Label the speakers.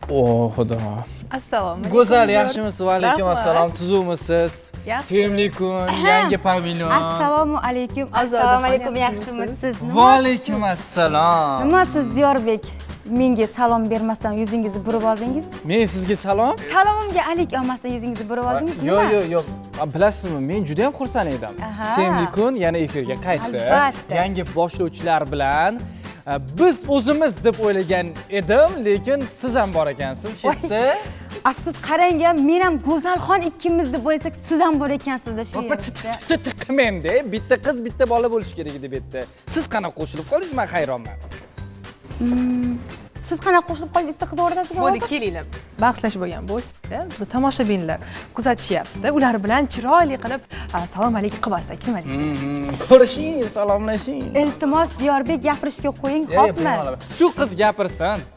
Speaker 1: O xudo.
Speaker 2: Assalomu alaykum.
Speaker 1: Go'zal, yaxshimisiz? Va alaykum
Speaker 2: Rahmat.
Speaker 1: assalom. Tuzukmisiz?
Speaker 2: Yaxshi.
Speaker 1: Sevimli kun, yangi pavilyon.
Speaker 3: Assalomu alaykum.
Speaker 2: Assalomu
Speaker 3: alaykum.
Speaker 2: yaxshimisiz?
Speaker 3: Yaxshimisiz?
Speaker 1: Va alaykum assalom.
Speaker 3: Nima siz Diyorbek? Menga salom bermasdan yuzingizni burib oldingiz?
Speaker 1: Men sizga salom.
Speaker 3: Salomimga alik olmasdan yuzingizni burib oldingiz.
Speaker 1: Yo'q. Bilasizmi, men juda ham xursand edim.
Speaker 3: Aha.
Speaker 1: Sevimli kun yana efirga qaytdi.
Speaker 3: Albatta.
Speaker 1: Yangi boshlovchilar bilan biz o'zimiz deb o'ylagan edim, lekin siz ham bor ekansiz shu yerda.
Speaker 3: Afsus, qarang, men ham Go'zalxon ikkimiz deb o'ylasak, siz ham bor ekansizda shu yerda.
Speaker 1: Tiqmenda, bitta qiz, bitta bola bo'lish kerak edi bu yerda. Siz qanaqa qo'shilib qoldingiz? Men hayronman.
Speaker 3: Siz qanaqa qo'shilib qoldingiz bitta qiz o'rtasiga?
Speaker 2: Bo'ldi, kelinglar. Bahslashib bo'lgan bo'lsa, biz tomoshabinlar kuzatishyapti. Ular bilan chiroyli qilib salom alaykum qilmasak, nima deysiz?
Speaker 1: Ko'rishing, salomlashing.
Speaker 3: Iltimos, Diyorbek gapirishga qo'ying,
Speaker 1: Yo'q,
Speaker 3: xo'pmi?
Speaker 1: shu qiz gapirsin.